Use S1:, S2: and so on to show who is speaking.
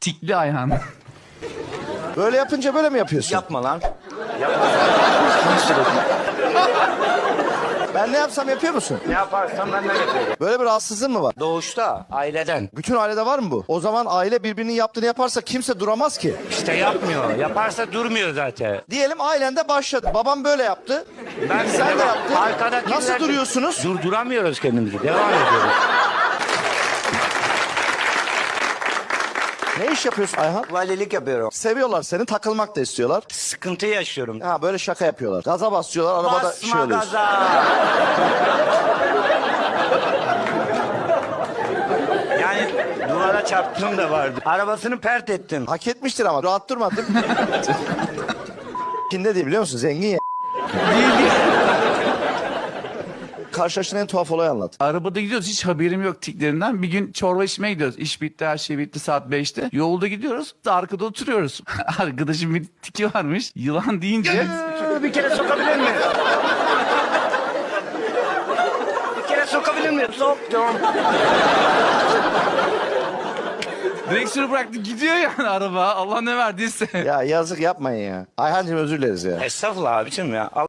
S1: Tikli Ayhan.
S2: Böyle yapınca böyle mi yapıyorsun?
S3: Yapma lan.
S2: Ben ne yapsam yapıyor musun?
S3: Ne yaparsan ben de yapıyorum.
S2: Böyle bir rahatsızlığın mı var?
S3: Doğuşta, aileden.
S2: Bütün ailede var mı bu? O zaman aile birbirinin yaptığını yaparsa kimse duramaz ki.
S3: İşte yapmıyor. Yaparsa durmuyor zaten.
S2: Diyelim ailende başladı. Babam böyle yaptı. Sen de yaptın.
S3: Arkadakiler...
S2: Nasıl duruyorsunuz?
S3: Durduramıyoruz kendimizi. Devam ediyoruz.
S2: Ne iş yapıyorsun Ayhan?
S3: Valilik yapıyorum.
S2: Seviyorlar seni, takılmak da istiyorlar.
S3: Sıkıntı yaşıyorum.
S2: Ha böyle şaka yapıyorlar. Gaza basıyorlar, arabada
S3: Basma
S2: oluyorsun.
S3: gaza. Yani duvara çarptığım da vardı. Arabasını pert ettim.
S2: Hak etmiştir ama rahat durmadın. Kim ne diyor biliyor musun? Zengin ya. Karşılaştığın en tuhaf olayı anlat.
S1: Arabada gidiyoruz, hiç haberim yok tiklerinden. Bir gün çorba içmeye gidiyoruz. İş bitti, her şey bitti, saat 5'te. Yolda gidiyoruz, arkada oturuyoruz. Arkadaşım bir tiki varmış. Yılan deyince...
S3: Bir kere sokabilir miyim? Bir kere sokabilir miyim? Soktum.
S1: Direksiyonu bıraktı, gidiyor yani araba. Allah ne verdiyse.
S2: Ya yazık yapmayın ya. Ayhancığım özür dileriz ya.
S3: Estağfurullah abicim ya.